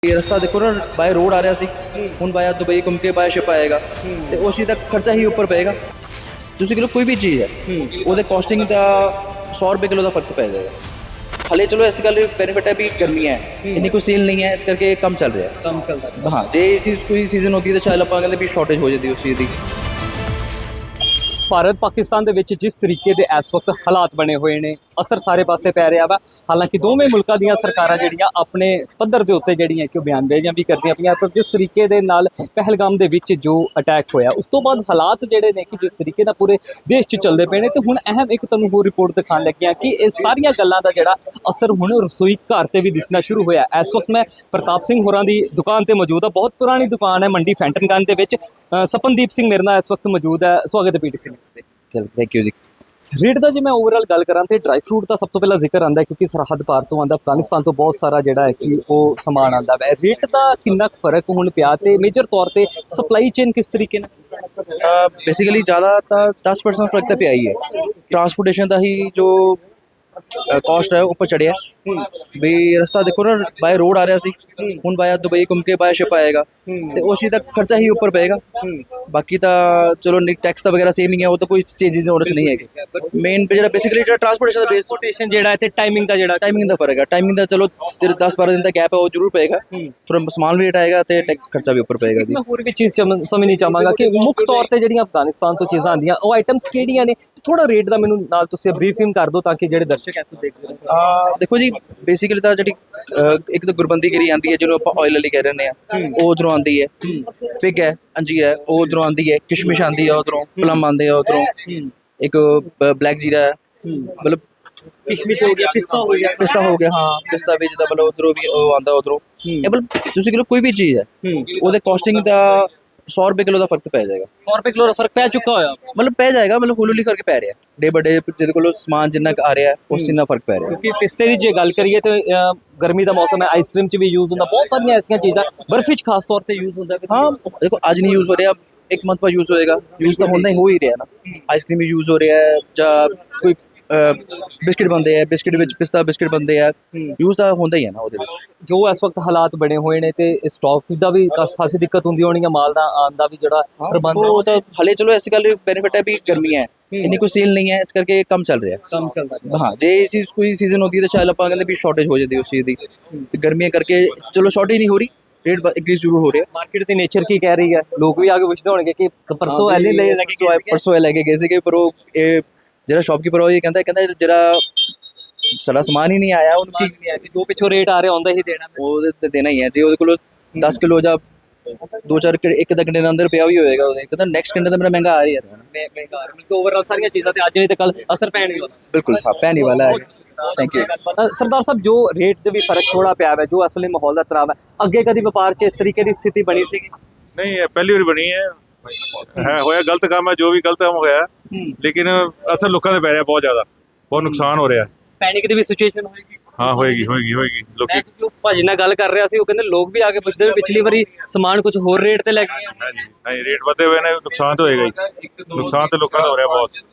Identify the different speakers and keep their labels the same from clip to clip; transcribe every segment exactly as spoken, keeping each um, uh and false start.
Speaker 1: ये रास्ता देखो ना बाय रोड आ रहा सी ਹੁਣ ਬਾਇਆ ਦੁਬਈ ਘੁੰਮ ਕੇ ਬਾਇਆ ਸ਼ਿਪ ਆਏਗਾ ਤੇ ਉਸ ਚੀਜ਼ ਦਾ ਖਰਚਾ ਹੀ ਉੱਪਰ ਪਏਗਾ। ਤੁਸੀਂ ਕਿਲੋ ਕੋਈ ਵੀ ਚੀਜ਼ ਹੈ ਉਹਦੇ ਕੋਸਟਿੰਗ ਦਾ सौ रुपये किलो का फर्क पै जाएगा। हाले चलो ऐसी गल बेनिफिट है भी गर्मियाँ है इन्नी कोई सील नहीं है इस करके कम चल रहा है
Speaker 2: कम चलता है।
Speaker 1: हाँ जे चीज़ कोई सीजन होती है तो शायद आप कहते भी शॉर्टेज हो जाती है उस चीज़ की।
Speaker 2: ਭਾਰਤ ਪਾਕਿਸਤਾਨ ਦੇ ਵਿੱਚ ਜਿਸ ਤਰੀਕੇ ਦੇ ਇਸ ਵਕਤ ਹਾਲਾਤ ਬਣੇ ਹੋਏ ਨੇ ਅਸਰ ਸਾਰੇ ਪਾਸੇ ਪੈ ਰਿਹਾ ਵਾ। ਹਾਲਾਂਕਿ ਦੋਵੇਂ ਮੁਲਕਾਂ ਦੀਆਂ ਸਰਕਾਰਾਂ ਜਿਹੜੀਆਂ ਆਪਣੇ ਪੱਧਰ ਦੇ ਉੱਤੇ ਜਿਹੜੀਆਂ ਕਿ ਉਹ ਬਿਆਨਬਾਜ਼ੀਆਂ ਵੀ ਕਰਦੀਆਂ ਪਈਆਂ, ਪਰ ਜਿਸ ਤਰੀਕੇ ਦੇ ਨਾਲ ਪਹਿਲਗਾਮ ਦੇ ਵਿੱਚ ਜੋ ਅਟੈਕ ਹੋਇਆ ਉਸ ਤੋਂ ਬਾਅਦ ਹਾਲਾਤ ਜਿਹੜੇ ਨੇ ਕਿ ਜਿਸ ਤਰੀਕੇ ਨਾਲ ਪੂਰੇ ਦੇਸ਼ 'ਚ ਚੱਲਦੇ ਪਏ ਨੇ, ਤੇ ਹੁਣ ਅਹਿਮ ਇੱਕ ਤੁਹਾਨੂੰ ਹੋਰ ਰਿਪੋਰਟ ਦਿਖਾਉਣ ਲੱਗੀਆਂ ਕਿ ਇਹ ਸਾਰੀਆਂ ਗੱਲਾਂ ਦਾ ਜਿਹੜਾ ਅਸਰ ਹੁਣ ਰਸੋਈ ਘਰ ਤੇ ਵੀ ਦਿਸਣਾ ਸ਼ੁਰੂ ਹੋਇਆ। ਇਸ ਵਕਤ ਮੈਂ ਪ੍ਰਤਾਪ ਸਿੰਘ ਹੋਰਾਂ ਦੀ ਦੁਕਾਨ ਤੇ ਮੌਜੂਦ ਹਾਂ। ਬਹੁਤ ਪੁਰਾਣੀ ਦੁਕਾਨ ਹੈ ਮੰਡੀ ਫੈਂਟਨਗੰਜ ਦੇ ਵਿੱਚ। ਅ, ਸਪਨਦੀਪ ਸਿੰਘ ਮੇਰੇ ਨਾਲ ਇਸ ਵਕਤ ਮੌਜੂਦ ਹੈ। ਸਵਾਗਤ ਹੈ ਪੀਟੀਸੀ ਨਿਊਜ਼ ਤੇ।
Speaker 1: चल थैंक यू जी।
Speaker 2: ਰੇਟ ਦਾ ਜੇ ਮੈਂ ਓਵਰਆਲ ਗੱਲ ਕਰਾਂ ਤੇ ਡਰਾਈ ਫਰੂਟ ਦਾ ਸਭ ਤੋਂ ਪਹਿਲਾਂ ਜ਼ਿਕਰ ਆਉਂਦਾ ਹੈ ਕਿਉਂਕਿ ਸਰਹੱਦ ਪਾਰ ਤੋਂ ਆਉਂਦਾ, ਅਫਗਾਨਿਸਤਾਨ ਤੋਂ ਬਹੁਤ ਸਾਰਾ ਜਿਹੜਾ ਹੈ ਕਿ ਉਹ ਸਮਾਨ ਆਉਂਦਾ ਹੈ। ਰੇਟ ਦਾ ਕਿੰਨਾ ਕੁ ਫਰਕ ਹੁਣ ਪਿਆ ਤੇ ਮੇਜਰ ਤੌਰ ਤੇ ਸਪਲਾਈ ਚੇਨ ਕਿਸ ਤਰੀਕੇ ਨਾਲ
Speaker 1: बेसिकली ज़्यादा तो दस परसेंट फर्क तो पे आई है। ट्रांसपोर्टेशन का ही जो कॉस्ट है ऊपर चढ़िया भी रास्ता देखो ना बाय रोड आ रहा सी ਹੁਣ ਬਾਇਆ ਦੁਬਈ ਘੁੰਮ ਕੇ ਬਾਇਆ ਸ਼ਿਪ ਆਏਗਾ ਤੇ ਉਸ ਚੀਜ਼ ਦਾ ਖਰਚਾ ਹੀ ਉੱਪਰ ਪਏਗਾ। ਬਾਕੀ ਤਾਂ ਚਲੋ ਟੈਕਸ ਤਾਂ ਵਗੈਰਾ ਸੇਮ ਹੀ ਹੈ, ਉਹ ਤਾਂ ਕੋਈ ਚੇਂਜਿਸ ਉਹਦੇ 'ਚ ਨਹੀਂ ਹੈਗੇ। ਮੇਨ ਜਿਹੜਾ ਬੇਸਿਕਲੀ ਜਿਹੜਾ ਟਰਾਂਸਪੋਰਟੇਸ਼ਨ ਦਾ ਬੇਸ
Speaker 2: ਟ੍ਰਾਂਸਪੋਰਟੇਸ਼ਨ ਜਿਹੜਾ ਤੇ ਟਾਈਮਿੰਗ ਦਾ ਜਿਹੜਾ
Speaker 1: ਟਾਈਮਿੰਗ ਦਾ ਫਰਕ ਹੈ। ਟਾਈਮਿੰਗ ਦਾ ਚਲੋ ਜਿਹੜੇ ਦਸ ਬਾਰਾਂ ਦਿਨ ਦਾ ਗੈਪ ਹੈ ਉਹ ਜ਼ਰੂਰ ਪਏਗਾ, ਥੋੜਾ ਸਮਾਨ ਵੀ ਰੇਟ ਆਏਗਾ ਤੇ ਖਰਚਾ ਵੀ ਉੱਪਰ ਪਏਗਾ ਜੀ।
Speaker 2: ਮੈਂ ਹੋਰ ਵੀ ਚੀਜ਼ ਸਮਝਣੀ ਚਾਹਾਂਗਾ ਕਿ ਮੁੱਖ ਤੌਰ ਤੇ ਜਿਹੜੀਆਂ ਅਫਗਾਨਿਸਤਾਨ ਤੋਂ ਚੀਜ਼ਾਂ ਆਉਂਦੀਆਂ ਉਹ ਆਈਟਮਸ ਕਿਹੜੀਆਂ ਨੇ, ਥੋੜਾ ਰੇਟ ਦਾ ਮੈਨੂੰ ਨਾਲ ਤੁਸੀਂ ਬਰੀਫਿੰਗ ਕਰ ਦਿਓ ਤਾਂ ਕਿ ਜਿਹੜੇ ਦਰਸ਼ਕ ਐਸੋ ਦੇਖ ਲੈਣ।
Speaker 1: ਦੇਖੋ ਜੀ ਬੇਸਿਕਲੀ ਤਾਂ ਜਿਹੜੀ ਇੱਕ ਤਾਂ ਗੁਰਬੰਦੀ ਗਿਰੀ ਆਉਂਦੀ ਹੈ ਜਿਹਨੂੰ ਆਪਾਂ ਆਇਲ ਵਾਲੀ ਕਹਿ ਰਹੇ ਹਾਂ, ਉਹ ਉਧਰੋਂ ਆਉਂਦੀ ਹੈ। ਫਿਗ ਹੈ, ਅੰਜੀ ਹੈ, ਉਹ ਉਧਰੋਂ ਆਉਂਦੀ ਹੈ। ਕਿਸ਼ਮਿਸ਼ ਆਉਂਦੀ ਹੈ ਉਧਰੋਂ, ਪਲਮ ਆਉਂਦੇ ਆ ਉਧਰੋਂ, ਇੱਕ ਬਲੈਕ ਜੀਰਾ ਹੈ, ਮਤਲਬ
Speaker 2: ਕਿਸ਼ਮਿਸ਼ ਹੋ ਗਿਆ, ਪਿਸਤਾ ਹੋ ਗਿਆ
Speaker 1: ਪਿਸਤਾ ਹੋ ਗਿਆ। ਹਾਂ ਪਿਸਤਾ ਵੀ ਜਿੱਦਾਂ ਮਤਲਬ ਉਧਰੋਂ ਵੀ ਉਹ ਆਉਂਦਾ ਉਧਰੋਂ। ਇਹ ਮਤਲਬ ਤੁਸੀਂ ਕਿਲੋ ਕੋਈ ਵੀ ਚੀਜ਼ ਹੈ ਉਹਦੇ ਕੋਸਟਿੰਗ ਦਾ सौ रुपये किलो का फर्क पै जाएगा।
Speaker 2: सौ रुपये किलो का फर्क पै चुका होया
Speaker 1: मतलब पै जाएगा, मतलब हौली हौली करके पै रहा है डे बाय डे। ਜਿਹਦੇ ਕੋਲ ਸਮਾਨ ਜਿੰਨਾ ਆ ਰਿਹਾ ਉਸ ਜਿੰਨਾ ਫਰਕ ਪੈ ਰਿਹਾ।
Speaker 2: ਕਿਉਂਕਿ ਪਿਸਤੇ ਦੀ ਜੇ ਗੱਲ ਕਰੀਏ ਤੇ ਗਰਮੀ ਦਾ ਮੌਸਮ ਹੈ, ਆਈਸਕ੍ਰੀਮ 'ਚ ਵੀ ਯੂਜ਼ ਹੁੰਦਾ, ਬਹੁਤ ਸਾਰੀਆਂ ਐਸੀਆਂ ਚੀਜ਼ਾਂ ਬਰਫੀ 'ਚ ਖਾਸ ਤੌਰ ਤੇ ਯੂਜ਼ ਹੁੰਦਾ।
Speaker 1: ਹਾਂ ਦੇਖੋ ਅੱਜ ਨਹੀਂ ਯੂਜ਼ ਹੋ ਰਿਹਾ, ਇੱਕ ਮੰਥ ਬਾਅਦ ਯੂਜ਼ ਹੋਏਗਾ। ਯੂਜ਼ ਤਾਂ ਹੁੰਦਾ ਹੀ ਹੋ ਹੀ ਰਿਹਾ ਨਾ। ਆਈਸਕ੍ਰੀਮ ਵੀ ਯੂਜ਼ ਹੋ ਰਿਹਾ ਹੈ ਜਾਂ ਕੋਈ ਬਿਸਕਿਟ ਬਣਦੇ ਆ, ਬਿਸਕਿਟ ਵਿੱਚ ਪਿਸਤਾ ਬਿਸਕਿਟ ਬਣਦੇ ਆ, ਯੂਜ਼ ਤਾਂ ਹੁੰਦਾ ਹੀ ਹੈ ਨਾ ਉਹਦੇ ਵਿੱਚ।
Speaker 2: ਜੋ ਇਸ ਵਕਤ ਹਾਲਾਤ ਬਣੇ ਹੋਏ ਨੇ ਤੇ ਸਟਾਕ ਦਾ ਵੀ ਖਾਸੀ ਦਿੱਕਤ ਹੁੰਦੀ ਹੋਣੀ ਹੈ, ਮਾਲ ਦਾ ਆਉਣ ਦਾ ਵੀ ਜਿਹੜਾ ਪ੍ਰਬੰਧ
Speaker 1: ਉਹ ਤਾਂ ਹਲੇ ਚਲੋ ਐਸੀ ਗੱਲ ਬੈਨੀਫਿਟ ਹੈ ਵੀ गर्मियाँ है इन्नी कोई सेल नहीं है इस करके कम चल रहा है।
Speaker 2: कम चल रहा है।
Speaker 1: हाँ जे चीज़ कोई सीजन होती है तो शायद आप कहते भी शॉर्टेज हो जाती है उस चीज़ की। गर्मियाँ करके चलो शॉर्टेज नहीं हो रही, रेट इंक्रीज जरूर हो रहा है।
Speaker 2: मार्केट की नेचर की कह रही है, लोग भी आगे पूछते होंगे कि परसों एले ले लगे
Speaker 1: परसों लेके गए थे पर वो ਜਿਹੜਾ ਸ਼ੌਪਕੀਪਰ ਉਹ ਇਹ ਕਹਿੰਦਾ ਕਹਿੰਦਾ ਜਿਹੜਾ ਸਾਡਾ ਸਮਾਨ ਹੀ ਨਹੀਂ ਆਇਆ ਉਹਨੂੰ
Speaker 2: ਜੋ ਪਿੱਛੋਂ ਰੇਟ ਆ ਰਿਹਾ ਹੁੰਦਾ ਹੀ ਦੇਣਾ
Speaker 1: ਉਹਦੇ ਤੇ ਦੇਣਾ ਹੀ ਹੈ। ਜੇ ਉਹਦੇ ਕੋਲ ਦਸ ਕਿਲੋ ਜਾਂ ਦੋ ਚਾਰ ਇੱਕ ਦਾ ਘੰਟੇ ਦੇ ਅੰਦਰ ਪਿਆ ਵੀ ਹੋਏਗਾ ਉਹਦੇ ਕਹਿੰਦਾ ਨੈਕਸਟ ਘੰਟੇ ਤਾਂ ਮੇਰਾ ਮਹਿੰਗਾ ਆ ਰਿਹਾ ਹੈ।
Speaker 2: ਮਹਿੰਗਾ ਮਿਲ ਓਵਰਆਲ ਸਾਰੀਆਂ ਚੀਜ਼ਾਂ ਤੇ ਅੱਜ ਨਹੀਂ ਤੇ ਕੱਲ ਅਸਰ ਪੈਣ ਹੀ ਵਾਲਾ।
Speaker 1: ਬਿਲਕੁਲ ਹਾਂ ਪੈਣ ਹੀ ਵਾਲਾ ਹੈ। ਥੈਂਕ ਯੂ
Speaker 2: ਸਰਦਾਰ ਸਾਹਿਬ। ਜੋ ਰੇਟ 'ਚ ਵੀ ਫਰਕ ਥੋੜਾ ਪਿਆ ਹੈ, ਜੋ ਅਸਲੀ ਮਾਹੌਲ ਦਾ ਤਰਾਵ ਹੈ, ਅੱਗੇ ਕਦੀ ਵਪਾਰ 'ਚ ਇਸ ਤਰੀਕੇ ਦੀ ਸਥਿਤੀ ਬਣੀ ਸੀਗੀ?
Speaker 3: ਨਹੀਂ ਇਹ ਪਹਿਲੀ ਵਾਰ ਬਣੀ ਹੈ ਹੈ ਹੋਇਆ ਗਲਤ ਕੰਮ ਹੈ, ਜੋ ਵੀ ਗਲਤ ਕੰਮ ਹੋਇਆ, ਲੇਕਿਨ ਅਸਰ ਲੋਕਾਂ ਦੇ ਪੈ ਰਿਹਾ, ਬਹੁਤ ਜ਼ਿਆਦਾ ਬਹੁਤ ਨੁਕਸਾਨ ਹੋ ਰਿਹਾ।
Speaker 2: ਪੈਨਿਕ ਦੀ ਵੀ ਸਿਚੁਏਸ਼ਨ ਹੋਏਗੀ?
Speaker 3: ਹਾਂ ਹੋਏਗੀ ਹੋਏਗੀ ਹੋਏਗੀ ਲੋਕੀ
Speaker 2: ਜੋ ਭਾਜੀ ਨਾਲ ਗੱਲ ਕਰ ਰਿਹਾ ਸੀ ਉਹ ਕਹਿੰਦੇ ਲੋਕ ਵੀ ਆ ਕੇ ਪੁੱਛਦੇ ਵੀ ਪਿਛਲੀ ਵਾਰੀ ਸਮਾਨ ਕੁਝ ਹੋਰ ਰੇਟ ਤੇ ਲੈ ਕੇ ਆਏ।
Speaker 3: ਹਾਂਜੀ ਨਹੀਂ ਰੇਟ ਵਧੇ ਹੋਏ ਨੇ, ਨੁਕਸਾਨ ਤਾਂ ਹੋਏਗਾ ਹੀ। ਨੁਕਸਾਨ ਤਾਂ ਲੋਕਾਂ ਦਾ ਹੋ ਰਿਹਾ ਬਹੁਤ।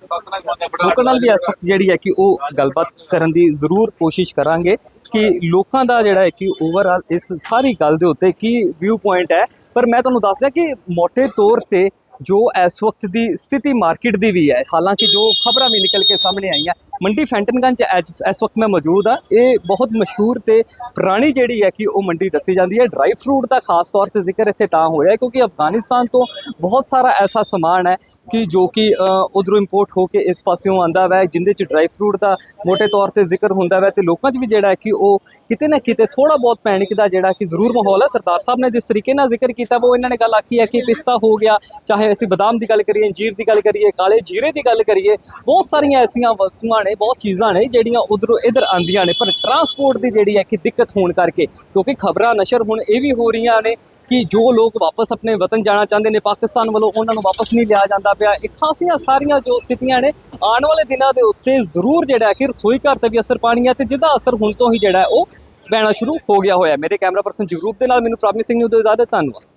Speaker 2: ਲੋਕਾਂ ਨਾਲ ਵੀ ਇਸ ਵਕਤ ਜਿਹੜੀ ਹੈ ਕਿ ਉਹ ਗੱਲਬਾਤ ਕਰਨ ਦੀ ਜ਼ਰੂਰ ਕੋਸ਼ਿਸ਼ ਕਰਾਂਗੇ ਕਿ ਲੋਕਾਂ ਦਾ ਜਿਹੜਾ ਹੈ ਕਿ ਓਵਰਆਲ ਇਸ ਸਾਰੀ ਗੱਲ ਦੇ ਉੱਤੇ ਕੀ ਵਿਊ ਪੁਆਇੰਟ ਹੈ। ਪਰ ਮੈਂ ਤੁਹਾਨੂੰ ਦੱਸ ਦਿਆਂ ਕਿ ਮੋٹے ਤੌਰ ਤੇ ਜੋ ਇਸ ਵਕਤ ਦੀ ਸਥਿਤੀ ਮਾਰਕੀਟ ਦੀ ਵੀ ਹੈ, ਹਾਲਾਂਕਿ ਜੋ ਖਬਰਾਂ ਵੀ ਨਿਕਲ ਕੇ ਸਾਹਮਣੇ ਆਈਆਂ ਮੰਡੀ ਫੈਂਟਨਗੰਜ ਇਸ ਵਕਤ ਮੈਂ ਮੌਜੂਦ ਹਾਂ। ਇਹ ਬਹੁਤ ਮਸ਼ਹੂਰ ਤੇ ਪੁਰਾਣੀ ਜਿਹੜੀ ਹੈ ਕਿ ਉਹ ਮੰਡੀ ਦੱਸੀ ਜਾਂਦੀ ਹੈ। ਡਰਾਈ ਫਰੂਟ ਦਾ ਖਾਸ ਤੌਰ ਤੇ ਜ਼ਿਕਰ ਇੱਥੇ ਤਾਂ ਹੋ ਰਿਹਾ ਕਿਉਂਕਿ ਅਫਗਾਨਿਸਤਾਨ ਤੋਂ ਬਹੁਤ ਸਾਰਾ ਐਸਾ ਸਮਾਨ ਹੈ ਕਿ ਜੋ ਕਿ ਉਧਰੋਂ ਇੰਪੋਰਟ ਹੋ ਕੇ ਇਸ ਪਾਸਿਓਂ ਆਉਂਦਾ ਵੈ, ਜਿੰਦੇ 'ਚ ਡਰਾਈ ਫਰੂਟ ਦਾ ਮੋٹے ਤੌਰ ਤੇ ਜ਼ਿਕਰ ਹੁੰਦਾ ਵੈ ਤੇ ਲੋਕਾਂ 'ਚ ਵੀ ਜਿਹੜਾ ਹੈ ਕਿ ਉਹ ਕਿਤੇ ਨਾ ਕਿਤੇ ਥੋੜਾ ਬਹੁਤ ਪੈਨਿਕ ਦਾ ਜਿਹੜਾ ਕਿ ਜ਼ਰੂਰ ਮਾਹੌਲ ਹੈ। ਸਰਦਾਰ ਸਾਹਿਬ ਨੇ ਜਿਸ ਤਰੀਕੇ ਨਾਲ ਜ਼ਿਕਰ ਕੀਤਾ ਉਹ ਇਹਨਾਂ ਨੇ ਗੱਲ ਆਖੀ ਹੈ ਕਿ ਪਿਸਤਾ ਹੋ ਗਿਆ, ਚਾਹੇ ਅਸੀਂ ਬਦਾਮ ਦੀ ਗੱਲ ਕਰੀਏ, ਅੰਜੀਰ ਦੀ ਗੱਲ ਕਰੀਏ, ਕਾਲੇ ਜੀਰੇ ਦੀ ਗੱਲ ਕਰੀਏ, ਬਹੁਤ ਸਾਰੀਆਂ ਐਸੀਆਂ ਵਸਤੂਆਂ ਨੇ, ਬਹੁਤ ਚੀਜ਼ਾਂ ਨੇ ਜਿਹੜੀਆਂ ਉਧਰੋਂ ਇੱਧਰ ਆਉਂਦੀਆਂ ਨੇ। ਪਰ ਟਰਾਂਸਪੋਰਟ ਦੀ ਜਿਹੜੀ ਹੈ ਕਿ ਦਿੱਕਤ ਹੋਣ ਕਰਕੇ, ਕਿਉਂਕਿ ਖਬਰਾਂ ਨਸ਼ਰ ਹੁਣ ਇਹ ਵੀ ਹੋ ਰਹੀਆਂ ਨੇ ਕਿ ਜੋ ਲੋਕ ਵਾਪਸ ਆਪਣੇ ਵਤਨ ਜਾਣਾ ਚਾਹੁੰਦੇ ਨੇ ਪਾਕਿਸਤਾਨ ਵੱਲੋਂ ਉਹਨਾਂ ਨੂੰ ਵਾਪਸ ਨਹੀਂ ਲਿਆ ਜਾਂਦਾ ਪਿਆ। ਇਹ ਖਾਸੀਆਂ ਸਾਰੀਆਂ ਜੋ ਸਥਿਤੀਆਂ ਨੇ ਆਉਣ ਵਾਲੇ ਦਿਨਾਂ ਦੇ ਉੱਤੇ ਜ਼ਰੂਰ ਜਿਹੜਾ ਕਿ ਰਸੋਈ ਘਰ ਤੇ ਵੀ ਅਸਰ ਪਾਣੀ ਹੈ ਤੇ ਜਿਹਦਾ ਅਸਰ ਹੁਣ ਤੋਂ ਹੀ ਜਿਹੜਾ ਉਹ ਪੈਣਾ ਸ਼ੁਰੂ ਹੋ ਗਿਆ ਹੋਇਆ। ਮੇਰੇ ਕੈਮਰਾ ਪਰਸਨ ਜਗਰੂਪ ਦੇ ਨਾਲ ਮੈਨੂੰ ਪ੍ਰਾਪਮੀ ਸਿੰਘ ਨੂੰ ਦਿਓ ਇਜਾਜ਼ਤ। ਧੰਨਵਾਦ।